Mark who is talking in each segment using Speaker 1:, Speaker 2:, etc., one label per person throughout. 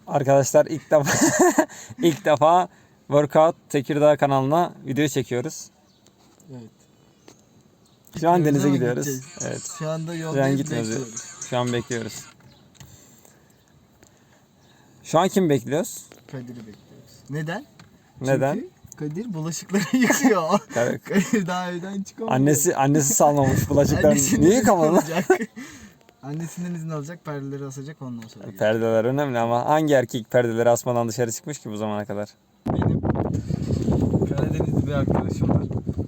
Speaker 1: Arkadaşlar ilk defa Workout Tekirdağ kanalına video çekiyoruz.
Speaker 2: Evet.
Speaker 1: Şu an denize
Speaker 2: Ama
Speaker 1: gidiyoruz.
Speaker 2: gideceğiz.
Speaker 1: Evet.
Speaker 2: Şu anda
Speaker 1: Şu an
Speaker 2: yoldayız,
Speaker 1: gitmiyoruz.
Speaker 2: bekliyoruz.
Speaker 1: Şu an bekliyoruz. Şu an kim bekliyoruz?
Speaker 2: Kadir'i bekliyoruz. Neden?
Speaker 1: Neden?
Speaker 2: Çünkü Kadir bulaşıkları yıkıyor.
Speaker 1: Evet.
Speaker 2: Kadir daha evden çıkamıyor.
Speaker 1: Annesi salmamış bulaşıklarını.
Speaker 2: Annesinden
Speaker 1: Niye
Speaker 2: izin
Speaker 1: yıkamadın lan?
Speaker 2: alacak. Annesinden izin alacak, perdeleri asacak, ondan sonra gelecek.
Speaker 1: Perdeler önemli ama hangi erkek perdeleri asmadan dışarı çıkmış ki bu zamana kadar?
Speaker 2: Benim Karadenizli bir arkadaşım var.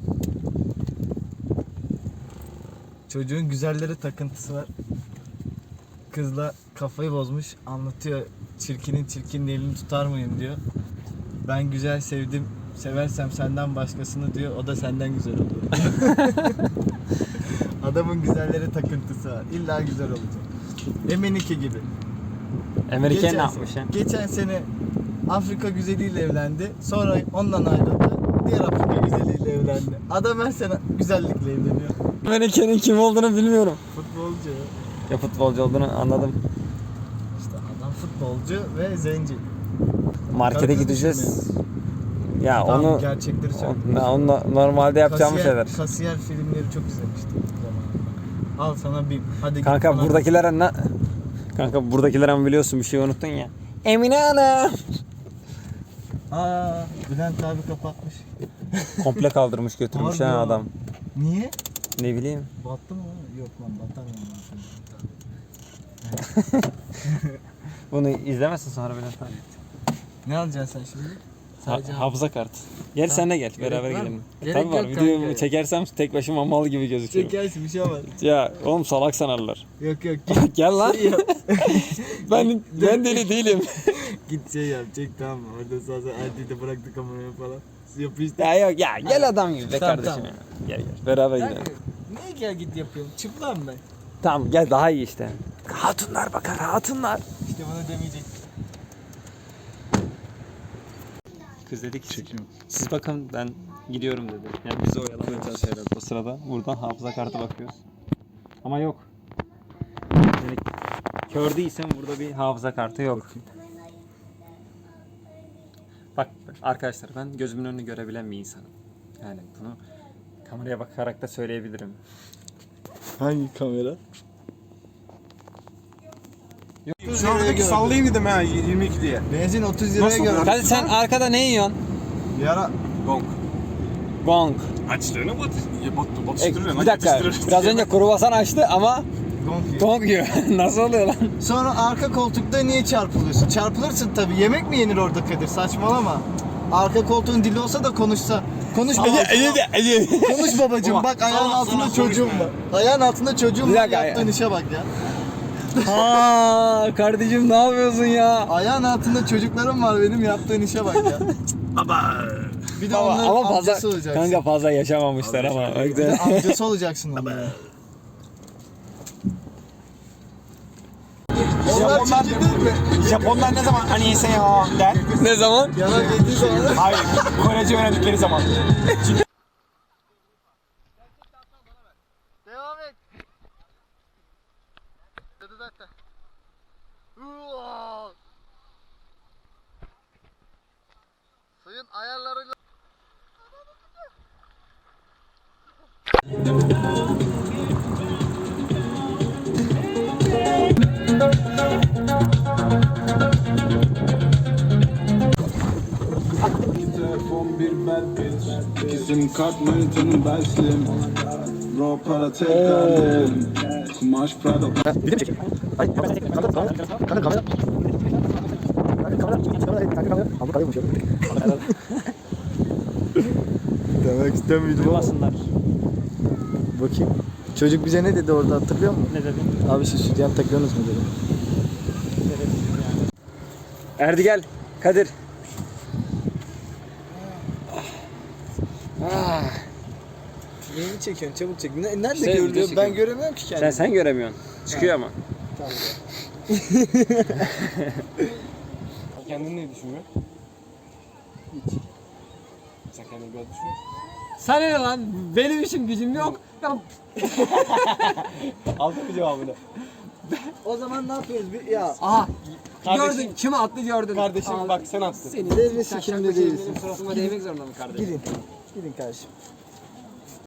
Speaker 2: Çocuğun güzellere takıntısı var. Kızla kafayı bozmuş, anlatıyor. Çirkinin elini tutar mıyım diyor. Ben güzel sevdim, seversem senden başkasını diyor. O da senden güzel olur. Adamın güzellere takıntısı var. İlla güzel olacak. Emenike gibi.
Speaker 1: Amerika ne yapmış ya?
Speaker 2: Geçen sene Afrika güzeliyle evlendi. Sonra ondan ayrıldı. Diğer Afrika güzeliyle evlendi. Adam her sene güzellikle evleniyor.
Speaker 1: Amerika'nın kim olduğunu bilmiyorum.
Speaker 2: Futbolcu.
Speaker 1: Ya futbolcu olduğunu anladım.
Speaker 2: İşte adam futbolcu ve zenci.
Speaker 1: Markete
Speaker 2: Kadını
Speaker 1: gideceğiz.
Speaker 2: düşünmeyelim.
Speaker 1: Ya
Speaker 2: Tamam,
Speaker 1: onu
Speaker 2: gerçekleri söylüyorum.
Speaker 1: onu normalde yapacağımız şeyler.
Speaker 2: Kasiyer filmleri çok izlemiştim zamanında. Al sana bir. Hadi git
Speaker 1: Kanka
Speaker 2: bana-
Speaker 1: buradakilere ne? Kanka buradakilere ama biliyorsun bir şey unuttun ya. Emine Hanım.
Speaker 2: Aa, Bülent abi kapatmış.
Speaker 1: Komple kaldırmış götürmüş
Speaker 2: Harbi
Speaker 1: ha
Speaker 2: ya.
Speaker 1: adam.
Speaker 2: Niye?
Speaker 1: Ne bileyim.
Speaker 2: Battı mı? Yok lan, batar mı?
Speaker 1: Bunu izlemezsin sonra Bülent abi.
Speaker 2: Ne alacaksın sen şimdi? Sadece
Speaker 1: Hafıza kartı. Gel sen de gel
Speaker 2: Gerek
Speaker 1: beraber
Speaker 2: var mı?
Speaker 1: gidelim.
Speaker 2: Gerek
Speaker 1: Tabii var.
Speaker 2: yok
Speaker 1: Videomu
Speaker 2: kanka.
Speaker 1: çekersem tek başıma mal gibi gözüküyorum.
Speaker 2: çekersin, bir şey olmaz.
Speaker 1: Ya oğlum salak sanarlar.
Speaker 2: Yok yok,
Speaker 1: Gel lan.
Speaker 2: Şey yap.
Speaker 1: Ben deli değilim.
Speaker 2: Git şey yap, çek, tamam mı? Orada sağ Erdi'yi de bıraktı kameraya falan. Yapıştı.
Speaker 1: Ya yok ya gel adam gibi be
Speaker 2: Tamam,
Speaker 1: kardeşim
Speaker 2: tamam.
Speaker 1: ya. Gel beraber gidelim.
Speaker 2: Niye gel git yapıyorum? Çıplam ben.
Speaker 1: Tamam gel daha iyi işte. Hatunlar bakar hatunlar.
Speaker 2: İşte bana demeyecek.
Speaker 1: Kız dedi ki siz bakın ben gidiyorum dedi. Yani bizi oyalanacağız herhalde o sırada. Buradan hafıza kartı bakıyoruz. Ama yok. Yani kör değilsem burada bir hafıza kartı yok. Bak arkadaşlar ben gözümün önünü görebilen bir insanım. Yani bunu kameraya bakarak da söyleyebilirim.
Speaker 2: Hangi kamera?
Speaker 3: Şu andaki sallayayım dedim ha 22 diye.
Speaker 2: Benzin 30 liraya
Speaker 3: Nasıl
Speaker 2: göre.
Speaker 1: Hadi sen arkada ne yiyorsun?
Speaker 2: Bir ara
Speaker 3: Gong.
Speaker 1: Gong.
Speaker 3: Açtığını
Speaker 1: Bir
Speaker 3: batıştırıyor.
Speaker 1: dakika. Biraz önce kruvasan açtı ama
Speaker 2: gong.
Speaker 1: gong yiyor. Nasıl oluyor lan?
Speaker 2: Sonra arka koltukta niye çarpılıyorsun? Çarpılırsın tabii. Yemek mi yenir orada Kadir? Saçmalama. Arka koltuğun dili olsa da konuşsa. Konuş babacığım. Konuş babacığım. Bak ayağın altında çocuğum var. Ayağın altında çocuğum
Speaker 1: Bir
Speaker 2: var.
Speaker 1: dakika,
Speaker 2: Yaptığın işe bak ya.
Speaker 1: Ha kardeşim ne yapıyorsun ya?
Speaker 2: Ayağın altında çocuklarım var benim, yaptığın işe bak ya.
Speaker 3: Baba.
Speaker 2: Bir de
Speaker 1: Ama,
Speaker 2: onların
Speaker 1: ama fazla
Speaker 2: amcası olacaksın.
Speaker 1: kanka fazla yaşamamışlar ama.
Speaker 2: Bir de amcası olacaksın onların. Onlar çirkin değil mi?
Speaker 3: Japonlar ne zaman hani ise ya der.
Speaker 1: Ne zaman?
Speaker 2: Yalan yediği zaman.
Speaker 3: Hayır. Korece öğrendikleri zaman.
Speaker 2: Devam et. Dedi zaten. Suyun ayarlarıyla.
Speaker 4: Telefon bir bad bitch. Bizim kart manitanın beslim. Bro para tekrar derim. Kumaş Prada.
Speaker 2: Demek istemiyordum ama.
Speaker 1: Duymasınlar.
Speaker 2: Bakayım. Çocuk bize ne dedi orada, hatırlıyor musun?
Speaker 1: Ne dedin?
Speaker 2: Abi siz sütyen takıyorsunuz mu dedi.
Speaker 1: Erdi gel. Kadir.
Speaker 2: Neyini çekiyorsun, çabuk çek. Nerede
Speaker 1: İşte video
Speaker 2: görülüyor? Ben
Speaker 1: çekiyorum.
Speaker 2: göremiyorum ki kendimi.
Speaker 1: Sen göremiyorsun. Çıkıyor ama.
Speaker 3: Kendin ne düşünüyorsun? Sen kendini böyle düşünüyorsun.
Speaker 1: Sana ne lan? Benim işim gücüm yok. Ya,
Speaker 3: Aldın mı cevabını?
Speaker 2: O zaman ne yapıyoruz? Ya
Speaker 1: aha
Speaker 3: Kardeşim.
Speaker 5: Gördün. Kim attı gördün.
Speaker 3: Kardeşim
Speaker 5: Al.
Speaker 3: bak sen attın.
Speaker 5: Senin
Speaker 2: Devre
Speaker 5: sen
Speaker 2: sikimde
Speaker 5: şapkacı
Speaker 2: değilsin.
Speaker 5: elinin suratıma değmek zorunda mı kardeşim?
Speaker 2: Gidin. Gidin kardeşim.